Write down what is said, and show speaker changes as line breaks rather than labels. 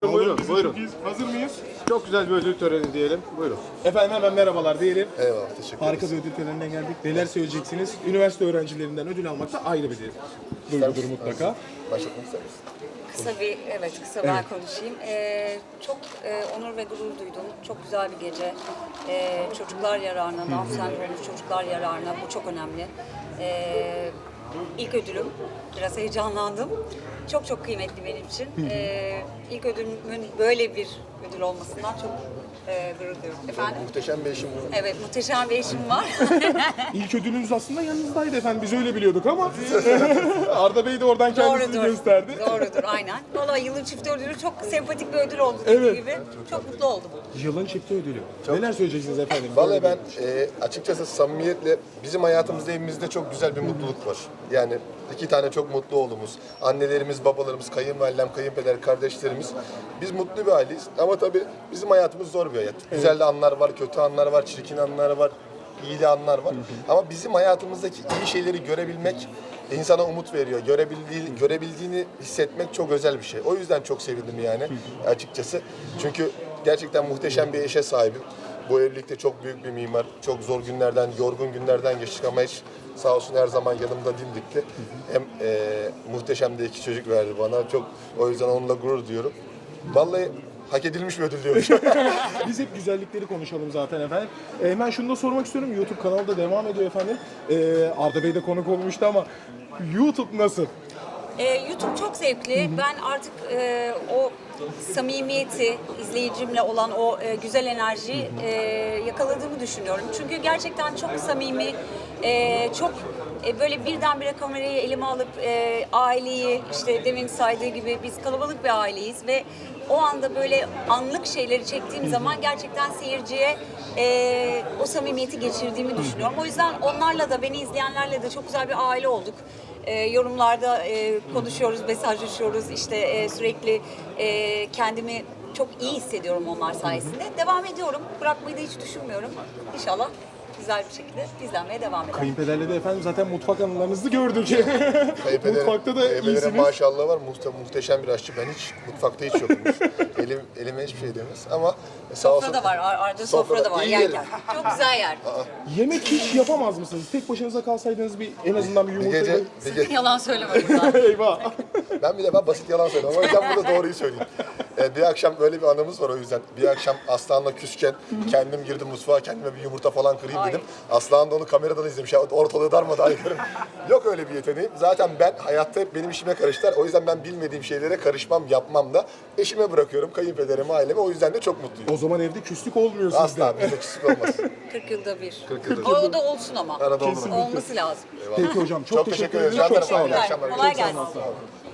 Buyurun, buyurun.
Hazır mıyız?
Çok güzel bir ödül töreni diyelim. Buyurun.
Efendim hemen merhabalar diyelim.
Eyvallah, teşekkür ederiz.
Harika bir ödül töreninden geldik. Neler söyleyeceksiniz? Üniversite öğrencilerinden ödül almak da ayrı bir duygudur mutlaka.
Başlatmak ister misin?
Kısa ben konuşayım. Çok onur ve gurur duydum. Çok güzel bir gece. Çocuklar yararına, Down sendromlu çocuklar yararına bu çok önemli. İlk ödülüm. Biraz heyecanlandım. Çok kıymetli benim için. İlk ödülümün böyle bir ödül olmasından çok gurur duyuyorum. Efendim?
Muhteşem bir işim bu.
Evet, muhteşem bir eşim var.
İlk ödülünüz aslında yanınızdaydı efendim. Biz öyle biliyorduk ama Arda Bey de oradan kendisini
Doğrudur.
gösterdi.
Doğrudur, aynen. Vallahi yılın çift ödülü çok sempatik bir ödül oldu dediğim
Evet.
gibi. Çok mutlu oldum.
Yılın çifti ödülü. Neler söyleyeceksiniz efendim?
Vallahi ben açıkçası samimiyetle bizim hayatımızda evimizde çok güzel bir mutluluk var. Yani 2 tane çok mutlu oğlumuz, annelerimiz, babalarımız, kayınvalidem, kayınpeder, kardeşlerimiz. Biz mutlu bir aileyiz ama tabii bizim hayatımız zor bir hayat. Güzel de anlar var, kötü anlar var, çirkin anlar var, iyi de anlar var. Ama bizim hayatımızdaki iyi şeyleri görebilmek insana umut veriyor. Görebildiğini hissetmek çok özel bir şey. O yüzden çok sevindim yani açıkçası. Çünkü gerçekten muhteşem bir eşe sahibim. Bu evlilikte çok büyük bir mimar. Çok zor günlerden, yorgun günlerden geçtik ama hiç sağ olsun her zaman yanımda dimdikti. Hem muhteşem de 2 çocuk verdi bana. O yüzden onunla gurur duyuyorum. Vallahi hak edilmiş bir ödül diyorum.
Biz hep güzellikleri konuşalım zaten efendim. Hemen şunu da sormak istiyorum. YouTube kanalı da devam ediyor efendim. Arda Bey de konuk olmuştu ama YouTube nasıl?
YouTube çok zevkli. Ben artık o samimiyeti, izleyicimle olan o güzel enerjiyi yakaladığımı düşünüyorum. Çünkü gerçekten çok samimi, çok böyle birdenbire kamerayı elime alıp aileyi, işte demin saydığı gibi biz kalabalık bir aileyiz ve o anda böyle anlık şeyleri çektiğim zaman gerçekten seyirciye o samimiyeti geçirdiğimi düşünüyorum. O yüzden onlarla da, beni izleyenlerle de çok güzel bir aile olduk. Yorumlarda konuşuyoruz, mesajlaşıyoruz. İşte sürekli kendimi çok iyi hissediyorum onlar sayesinde. Devam ediyorum. Bırakmayı da hiç düşünmüyorum. İnşallah güzel bir şekilde izlenmeye devam eder.
Kayınpederle de efendim zaten mutfak anılarınızı gördük. Mutfakta da
Kayınpederim
iyisiniz.
maşallah var. Muhteşem bir aşçı. Ben hiç mutfakta hiç yokumdur. Elime hiçbir şey demez ama sağ olsun.
Sofra da var, Arda sofra da var
İyi
yerken. Çok güzel yer.
Yemek hiç yapamaz mısınız? Tek başınıza kalsaydınız en azından bir
Bir
yumurta...
gece,
Yalan söyleme burada.
Eyvah!
ben basit yalan söylüyorum ama ben burada doğruyu söyleyeyim. Bir akşam böyle bir anımız var o yüzden. Bir akşam Aslan'la küsken kendim girdim mutfağa, kendime bir yumurta falan kırayım dedim. Aslan da onu kameradan izlemiş. Ortalığı darmadağın ederim. Yok öyle bir yeteneğim. Zaten ben hayatta hep benim işime karıştılar. O yüzden ben bilmediğim şeylere karışmam, yapmam da. Eşime bırakıyorum, kayınpederime, aileme. O yüzden de çok mutluyum.
O zaman evde küslük olmuyor sizde.
Asla bizde küslük olmaz.
40 yılda bir.
40 yılda bir.
O da olsun ama.
Arada olur.
Kesinlikle.
Olması lazım.
Peki hocam çok teşekkür
ederiz.
ederiz. Çok sağ olun.
İyi akşamlar.
Kolay gelsin.
Sağ olun.